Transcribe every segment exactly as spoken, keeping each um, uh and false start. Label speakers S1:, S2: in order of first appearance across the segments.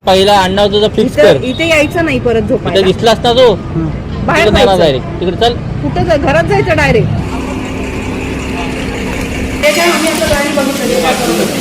S1: पहिला अण्णा तुझा फिक्स कर.
S2: इथे यायचं नाही परत झोपायला.
S1: इथे दिसलास ना तो
S2: बाहेर
S1: जाणार डायरेक्ट तिकडे. चल
S2: कुठं जा- घरात जायचं डायरेक्ट. ते काय आम्ही आता गाडी बघितलं.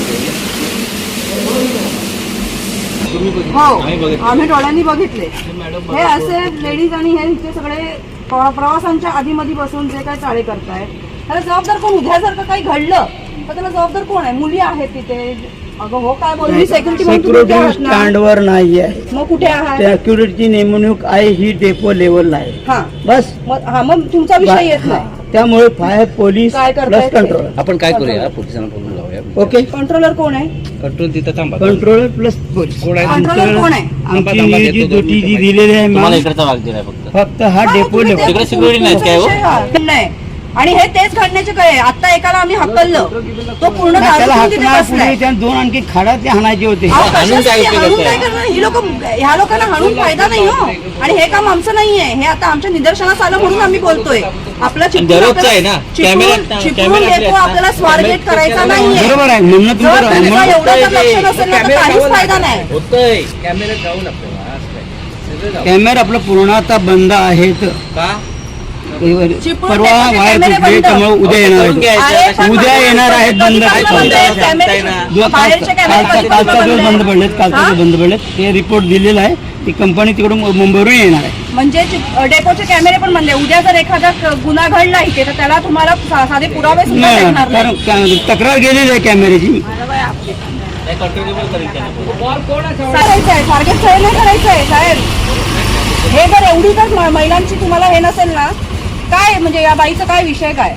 S2: हो आम्ही डोळ्यांनी बघितले. हे असे लेडीज आणि हे इथे सगळे प्र- प्रवासांच्या आधीमध्ये बसून जे काय चाळे करतायत त्याला जबाबदार कोण? उद्या जर का काही घडलं तर त्याला जबाबदार कोण आहे? मुली आहेत तिथे. अगं हो काय बोलली सेक्युरिटी
S3: सिक्युरिटी स्टँडवर नाही आहे.
S2: मग कुठे आहात?
S3: सिक्युरिटीची नेमणूक आहे ही डेपो लेवलला आहे.
S2: हा
S3: बस.
S2: मग हा मग तुमचा विषय येत नाही.
S3: त्यामुळे फायर पोलीस
S2: काय
S3: प्लस
S2: करतायत?
S3: कंट्रोल.
S4: आपण काय करूया पोलिसांना बोलून लावूया.
S3: ओके.
S2: कंट्रोलर कोण आहे?
S4: कंट्रोल तिथं थांबा.
S3: Control plus police.
S4: कोण आहे?
S2: कंट्रोलर कोण आहे?
S3: आमची ही जी दुटी जी दिलेली आहे
S1: तुम्हाला
S3: मॅम,
S1: इकडचा भाग दिलाय फक्त.
S3: फक्त हा
S2: हा,
S3: डेपो
S2: तुम्ही
S3: लेवल.
S2: ते-
S1: तिकडे security नाही काय हो?
S2: विषय हा. नाही आणि हे तेच घडण्याचे काय? आता एकाला आम्ही हकललं तो पूर्ण
S3: त्याला
S2: दारू पिऊन तिथे
S3: हाकणार
S2: बसलाय.
S3: पुढे त्या दोन आणखी खाडा ते हाणायचे होते.
S2: अहो,
S1: हाणून काय
S2: कशासाठी?
S1: उपयोग
S2: हाणून
S1: आहे?
S2: काय करणार? ही लोक ह्या लोकांना हाणून फायदा नाही हो. आणि हे काम आमचं नाहीये. हे आता आमच्या निदर्शनास आलं म्हणून आम्ही बोलतोय. आपला चिपळूण
S1: दररोजचं आहे ना?
S2: आपल्याला-
S1: camera-
S2: Chiplun- Chiplun
S1: camera
S2: depot
S1: असले
S2: आपल्याला स्वारगेट करायचा नाहीये.
S3: बरोबर आहे म्हणणं तुमचं
S2: जर
S3: आहे.
S2: तुमचा
S3: म्हणून
S2: एवढा जर लक्ष नसेल ना तर काहीच फायदा नाही.
S1: होतंय.
S4: कॅमेऱ्यात जाऊन आपल्याला असं काय. सगळं जाऊ.
S3: कॅमेरा आपलं पूर्णतः बंद आहेत.
S4: का
S2: चिपळूण
S3: परवा
S2: डेपोचे
S3: वायर
S2: कॅमेरे
S3: तुटले
S2: बंद.
S3: त्यामुळे उद्या येणार
S1: करून
S3: आहेत.
S1: घ्यायचं.
S2: अरे, पण
S3: उद्या
S2: बाहेरचे
S3: येणार आहेत बंद.
S2: कॅमेरे
S3: काय
S2: बंद आहेत. कॅमेरे-
S3: जो
S2: बाहेरचे
S3: काल-
S2: कॅमेरे
S3: कालचा
S2: कधी
S3: कालचा
S2: बंद
S3: दिवस
S2: आहे?
S3: बंद पडलेत. कालचा
S2: हा?
S3: दिवस बंद पडलेत. ते रिपोर्ट दिलेला आहे. ती कंपनी तिकडून मुंबईवरून येणार आहे.
S2: म्हणजे चिप- डेपोचे कॅमेरे पण बंद आहे. उद्या जर एखादा क- गुन्हा घडला इथे तर त्याला तुम्हाला सा- साधे पुरावे सुद्धा
S3: नाही
S2: भेटणार
S3: कारण
S2: नाही.
S3: का- तक्रार गेलेली आहे कॅमेऱ्याची.
S1: नाही, कंट्रोलेबल करेल त्याला.
S2: करायचं आहे टार्गेट फेल नाही करायचं आहे साहेब. हे जर एवढी जर म- महिलांची तुम्हाला हे नसेल ना काय म्हणजे या बाईचा काय विषय काय?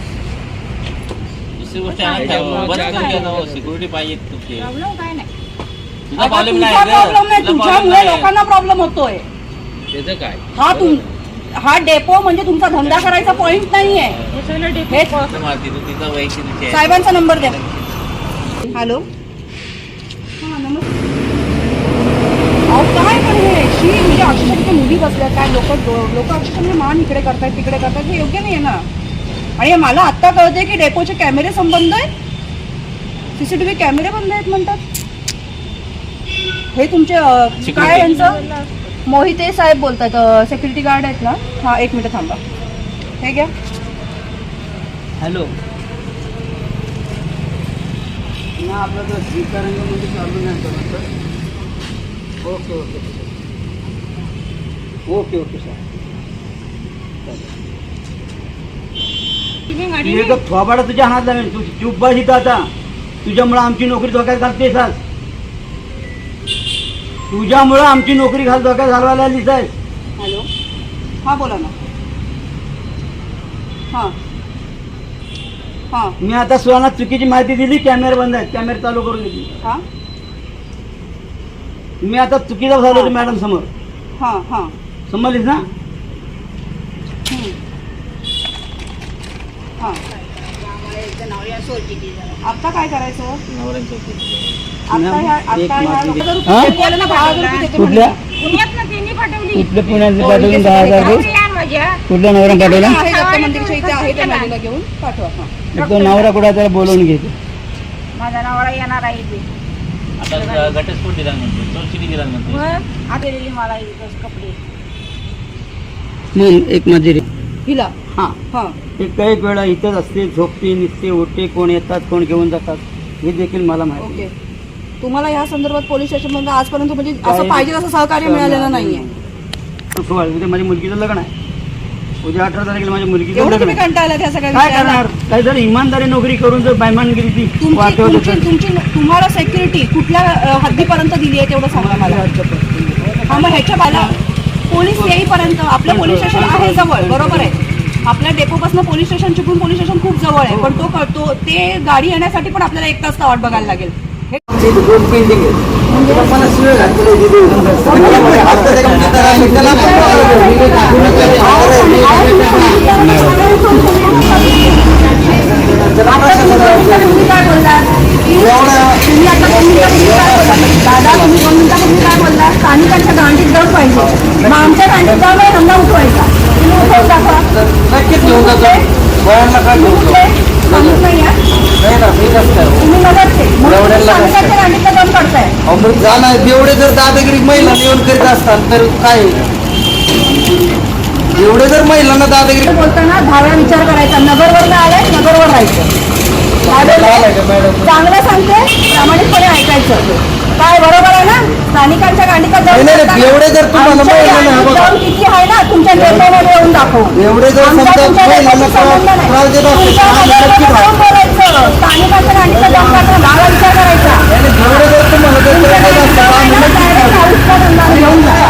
S1: दुसरी गोष्ट आहे ना, बंद करून घ्या ना हो. सिक्युरिटी पाहिजे तुझी. तुझा
S2: आता
S1: प्रॉब्लेम
S2: तुमचा
S1: नाही
S2: प्रॉब्लेम नाही,
S1: तुझा
S2: तुमच्यामुळे
S1: problem नाही.
S2: लोकांना प्रॉब्लेम होतोय.
S4: त्याचं काय.
S2: हा तुम हा डेपो म्हणजे तुमचा धंदा करायचा पॉइंट नाहीये. हे
S1: तू मारती, तू तिचा वैयक्तिक विषय आहे.
S2: साहेबांचा नंबर द्या. हॅलो हा नमस्ते. अहो काय पण हे शी म्हणजे अक्षरशः तिथे मुली बसल्या काय लोक लोक अक्षरशः मान इकडे करतायत तिकडे करतायत. हे योग्य नाही आहे ना. आणि हे मला आत्ता कळते की डेपोचे कॅमेरे संबंध आहेत. सीसीटीव्ही कॅमेरे बंद आहेत म्हणतात. हे तुमचे अं, काय यांचं मोहिते साहेब बोलतात सेक्युरिटी गार्ड आहेत ना. हा एक मिनिट थांबा. हे घ्या.
S3: हॅलो आपला जो श्रीकारंगमध्ये चालू नाही करत. Okay okay okay okay sir. थोबाडा तुझ्या हातात लागेल. तू चूप बस इथं आता. तुझ्यामुळं आमची नोकरी धोक्यात घालतेस आज. तुझ्यामुळं आमची नोकरी घाल धोक्यात घालवायला आलीस आहेस.
S2: हॅलो हां बोला ना. हां हां
S3: मी आता सुहाना चुकीची माहिती दिली. कॅमेरे बंद आहेत. कॅमेरे चालू करून दिली.
S2: हां
S3: मी आता चुकीचा झालो होतो मॅडम समोर.
S2: हां हां
S3: समजलीस ना.
S2: हं. हां आता काय करायचं?
S1: नवऱ्यांच्या उपयोग.
S2: आता ह्या आता
S3: एक
S2: ह्या
S3: मागे.
S2: हजार
S3: हां?
S2: रुपये केलं ना, दहा हजार रुपये देते
S3: कुठल्या
S2: म्हणून.
S5: पुण्यातनं त्यांनी पाठवली.
S3: कुठल्या पुण्यात पाठवून दहा हजार रुपये.
S5: या माझ्या.
S3: कुठल्या नवरा पाठवला.
S2: आहे दत्त मंदिरच्या इथे आहे त्या मुलीला घेऊन पाठवा. हां
S3: तो नवरा कुठे त्याला बोलवून घेते.
S5: माझा नवरा येणार आहे ते.
S1: आता घटस्फोट दिला म्हणते, चोरचिडी दिला म्हणते.
S5: मग आता दिली मला इथंच कपडे.
S3: मग एक मजुरी.
S2: हिला
S3: हां
S2: हां
S3: ते काही वेळा इथंच असते. झोपते निघते उठते. कोण येतात कोण घेऊन जातात हे देखील मला माहिती.
S2: ओके. तुम्हाला या संदर्भात पोलीस स्टेशनमध्ये आजपर्यंत म्हणजे असं
S3: काही-
S2: पाहिजे असं सहकार्य मिळालेलं नाहीये.
S3: सोळा उद्या माझ्या मुलगीचं लग्न आहे. उद्या अठरा तारखेला माझ्या मुलगीचं
S2: एवढं
S3: लग्न
S2: तुम्ही
S3: आहे.
S2: कंटाळला त्या सगळ्या
S3: काय
S2: विषयाला?
S3: करणार. काही जर इमानदारी नोकरी करून जर बैमानगिरी ती
S2: तुमची
S3: वाटवत
S2: तुमची
S3: असेल.
S2: तुमची तुम्हाला सेक्युरिटी कुठल्या अ, हद्दीपर्यंत दिली आहे तेवढं सांगा मला. हा मग ह्याच्या बाला पोलीस येईपर्यंत आपलं पोलीस स्टेशन आहे जवळ. बरोबर आहे. आपल्या डेपोपासून police station Chiplun police station खूप जवळ आहे. पण तो तो ते गाडी येण्यासाठी पण आपल्याला एक तास वाट बघायला लागेल. हे दादा तुम्ही दोन मिनिटापूर्वी काय बोलला? स्थानिकांच्या गांडीत दम पाहिजे. मग आमच्या गांडीत दम आहे धंदा उठवायचा. तुम्ही उठवून दाखवा.
S3: नक्कीच घेऊन जातो. वळणला काय घेऊन जातो.
S2: सांगितलं या
S3: नाही ना मी कसं काय
S2: तुम्ही नगरचे म्हणून तुम्ही
S3: एवढ्याला कसं
S2: स्थानिकांच्या
S3: काय?
S2: गांडीतलं दम काढताय.
S3: अहो, मग जाणार एवढे जर दादागिरी महिला येऊन करीत असतात तर काय एवढे जर महिलांना दादागिरी
S2: बोलताना दहाव्या विचार करायचा. नगरवर आलाय, नगरवर राहायचं. काय बोलताय? चांगलं सांगते, प्रामाणिकपणे ऐकायचं. काय बरोबर आहे ना? स्थानिकांच्या गांडीचा
S3: नाही, नाही, नाही, एवढे जर तुम्हाला महिलांना हा बघा.
S2: दम किती आहे ना तुमच्या निर्णयामध्ये येऊन दाखवू.
S3: एवढे जर
S2: आमचा
S3: समजा
S2: तुमच्या
S3: महिलांना
S2: देशाशी संबंध नाही.
S3: त्रास देत असतील,
S2: तुमच्या
S3: आम्ही
S2: नगरमध्ये
S3: नक्की
S2: जाऊन बोलायचं. स्थानिकांच्या गांडीचा दम काढताना दहावा विचार करायचा.
S3: एवढे जर तुम्हाला जर
S2: तुमच्या
S3: करायचं असतं,
S2: गांडीचा
S3: आम्ही
S2: आहे ना,
S3: नक्की
S2: direct हाऊसला धंदा घेऊन जा.